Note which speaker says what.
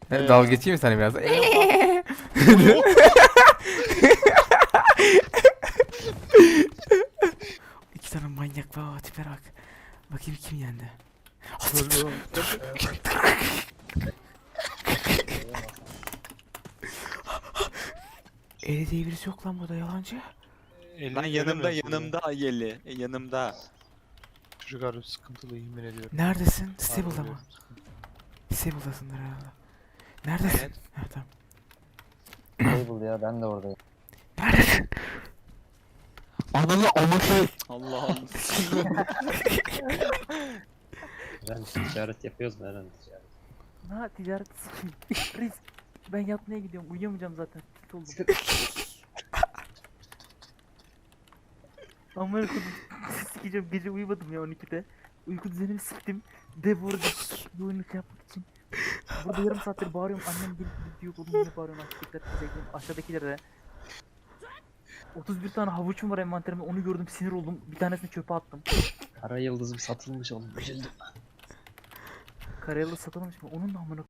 Speaker 1: Dalga geçeyim mi sana biraz? İki tane manyak var, tipe bak. Bakayım kim yendi. Eli diye birisi yok lan burada, yalancı.
Speaker 2: Lan yanımda Ayeli. Yanımda.
Speaker 3: Çocuk harbi sıkıntılı, yemin ediyorum.
Speaker 1: Neredesin? Stable'da
Speaker 3: Harbi
Speaker 1: mı?
Speaker 3: sıkıntı.
Speaker 1: Stable'dasındır herhalde. Neredesin?
Speaker 2: Evet.
Speaker 1: Ha, tamam.
Speaker 4: Stable ya, ben de oradayım.
Speaker 1: Neredesin?
Speaker 2: Ananı amışı. Allah Allah.
Speaker 4: Eren ticaret yapıyoruz mu Eren ticaret?
Speaker 5: Ha ticaret sikeyim. Reis ben yatmaya gidiyorum, uyuyamayacağım zaten. Tit oldum. Amına kodum sikeceğim, gece uyumadım ya 12'de. Uyku düzenimi siktim. De bu arada bu oyunu şey yapmak için. Burada yarım saattir bağırıyorum, annem gelip diyor oğlum yine bağırıyorum, aşağıdakilere. 31 tane havuçum var envanterimde, onu gördüm sinir oldum, bir tanesini çöpe attım.
Speaker 4: Kara yıldızım satılmış oğlum, üzüldüm.
Speaker 5: Karayolu satılmış mı? Onun da amına